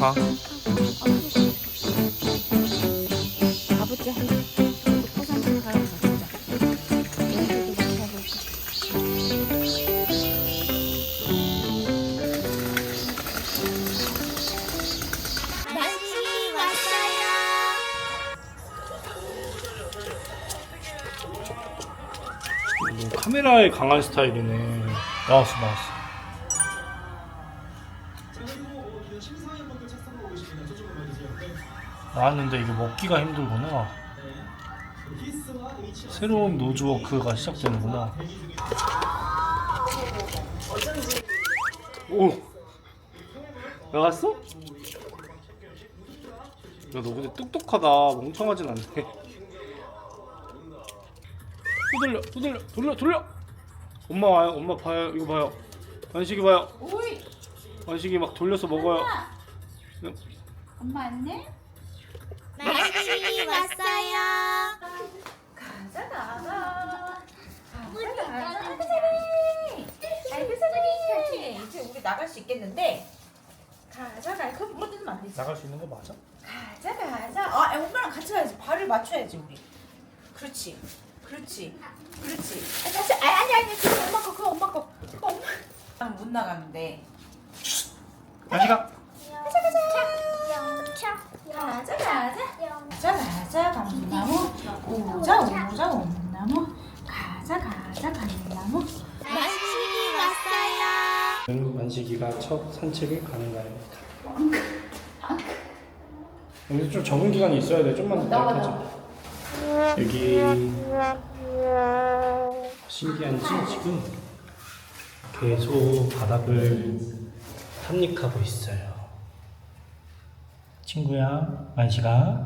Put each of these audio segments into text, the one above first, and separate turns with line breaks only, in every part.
가.
가보자. 포상도 가요. 가보자. 여기도 막 가보자.
만식이 왔어요.
카메라에 강한 스타일이네. 나왔어. 나왔는데 이게 먹기가 힘들구나. 새로운 노즈워크가 시작되는구나. 오! 나갔어? 야, 너 근데 똑똑하다. 멍청하진 않네. 돌려. 엄마 와요. 엄마 봐요. 이거 봐요. 만식이 봐요.
오이.
만식이 막 돌려서 먹어요.
엄마 안내?
만식이 왔어요.
가자 나가.
아이고 사랑해. 이제 우리 나갈 수 있겠는데. 가자. 그럼 물어뜯으면 안 되지.
나갈 수 있는 거 맞아?
가자. 아, 엄마랑 같이 가야지. 발을 맞춰야지 우리. 그렇지. 아니. 그거 엄마 거. 그거 엄마. 나는 못 나가는데.
만식아.
가자. 감나무. 오자. 온나무. 가자. 감나무. 만식이 왔어요.
만식이가 첫 산책을 가는 날입니다. 근데 좀 적응 기간이 있어야 돼. 좀만 더 하자. 여기 신기한지 지금 계속 바닥을 탐닉하고 있어요. 친구야, 만식아.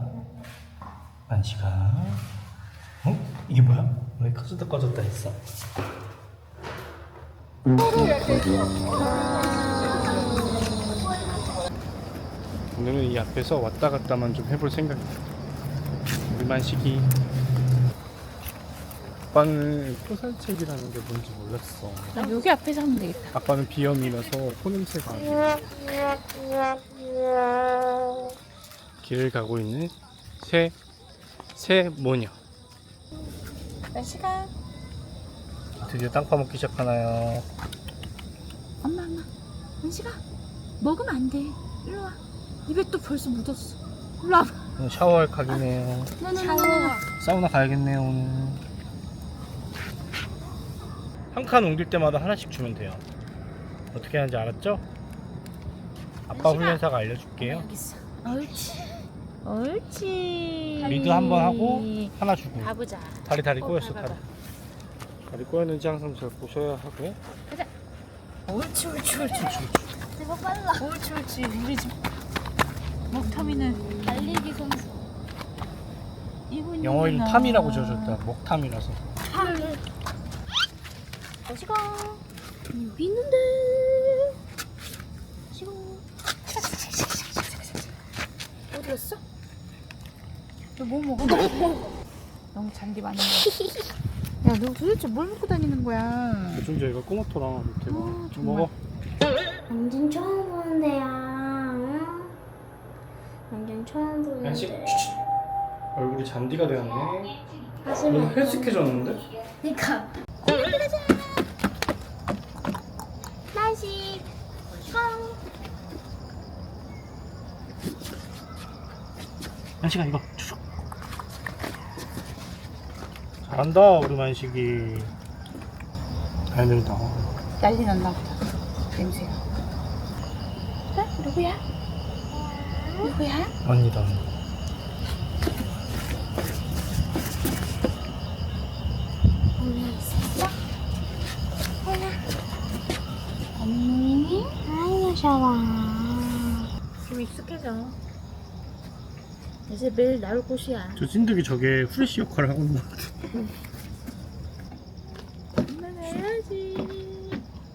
이게 뭐야? 왜 꺼졌다 했어? 오늘은 이 앞에서 왔다 갔다만 좀 해볼 생각이야. 우리 만식이. 아빠는 토산책이라는 게 뭔지 몰랐어.
나 여기 앞에서 하면 되겠다.
아빠는 비염이라서 코냄새가 안 나. 길을 가고 있는 새 모녀.
날씨가.
드디어 땅 파먹기 시작하나요?
엄마. 날씨가. 먹으면 안 돼. 일로 와. 입에 또 벌써 묻었어. 일로 와봐.
샤워할 각이네요.
샤워.
사우나 가야겠네요 오늘. 한 칸 옮길 때마다 하나씩 주면 돼요. 어떻게 하는지 알았죠? 아빠 훈련사가 알려줄게요.
여기 있어. 옳지.
리드 한번 하고 하나 주고.
가보자.
다리 꼬였어.
봐봐.
다리 꼬였는지 항상 잘 보셔야 하고요.
옳지. 제가 빨라. 옳지. 우리 집 먹터미는 달리기 선수.
영어 이름 탐이라고 지어줬다. 먹탐이라서.
시고 여기 있는데. 시고. 어디 갔어? 너 뭐 먹어? 너무 잔디 많은 거야. 야, 너 도대체 뭘 먹고 다니는 거야?
요즘 저희가 꼬마토랑 밑에 좀
정말.
먹어.
완전 처음 보는데요. 응? 완전 처음
yan식
보는데.
얼굴이 잔디가 되었네.
하지만
너무 헬스케졌는데?
그러니까
만식.
만식아 이거 주소. 잘한다 우리 만식이. 잘 된다.
난리 났나 보다. 냄새가. 누구야?
언니다.
언니?
아이고 샤워.
좀 익숙해져. 이제 매일 나올 곳이야.
저 찐득이 저게 후레쉬 역할을 하고 있는 것 같아.
해야지.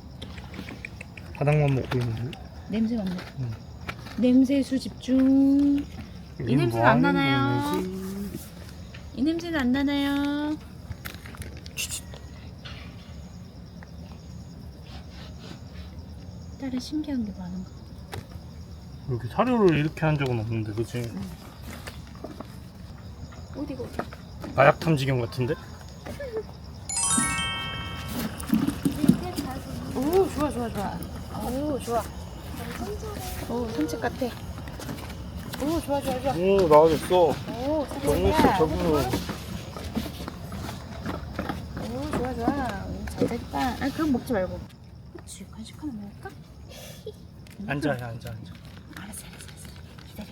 바닥만 먹고 있는데.
냄새 맡네.
응.
냄새 수집 중. 이
여기는
냄새는
뭐
안
하는
나나요?
거냐지?
이 냄새는 안 나나요? 다른 신기한 게 많은 거.
이렇게 사료를 이렇게 한 적은 없는데, 그치?
어디가 어디?
마약 탐지경 같은데?
오 좋아 좋아 좋아. 오 좋아. 오 산책 같아. 오 좋아 좋아 좋아.
오, 나와줬어.
오
정했어,
산책이야.
적응.
오 좋아 좋아. 잘 됐다. 아 그럼 먹지 말고. 그렇지 간식 하나 먹을까?
앉아, 야, 앉아, 앉아.
알았어. 기다려.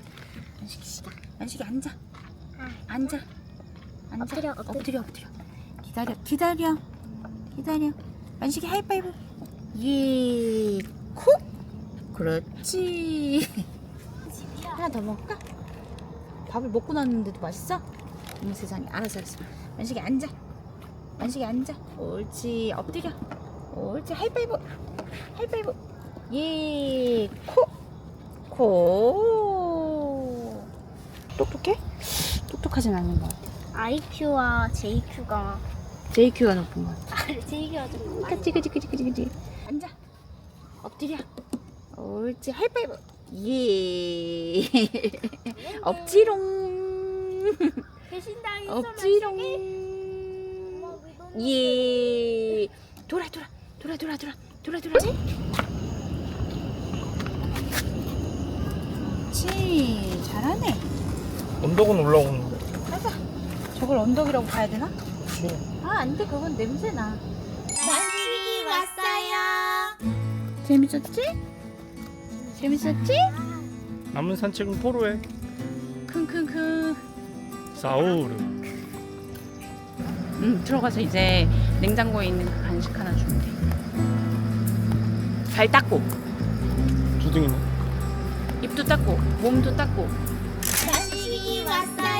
만식이 앉아. 앉아. 엎드려. 기다려. 만식이 하이파이브. 예. 콕. 그렇지. 하나 더 먹을까? 밥을 먹고 났는데도 맛있어? 어머 세상에. 알았어. 만식이 앉아. 옳지. 엎드려. 옳지. 하이파이브. 예. 코. 똑똑해? 똑똑하진 않은 것 같아.
IQ와 JQ가
JQ가 높은 것 같아.
JQ가 좀 많이
그치. 앉아. 엎드려. 옳지. 하이파이브. 예. 엎지롱.
배신당했어.
엎지롱. 예. 돌아. 그렇지. 잘하네.
언덕은 올라오는데.
가자. 저걸 언덕이라고 봐야 되나?
그치.
아, 안 돼. 그건 냄새나.
만식이 왔어요.
재밌었지?
남은 산책은 포로해.
킁킁킁.
사우르.
들어가서 이제 냉장고에 있는 그 간식 하나 주면 돼. 발 닦고,
두둥이네.
입도 닦고, 몸도 닦고.
만식이 왔어요.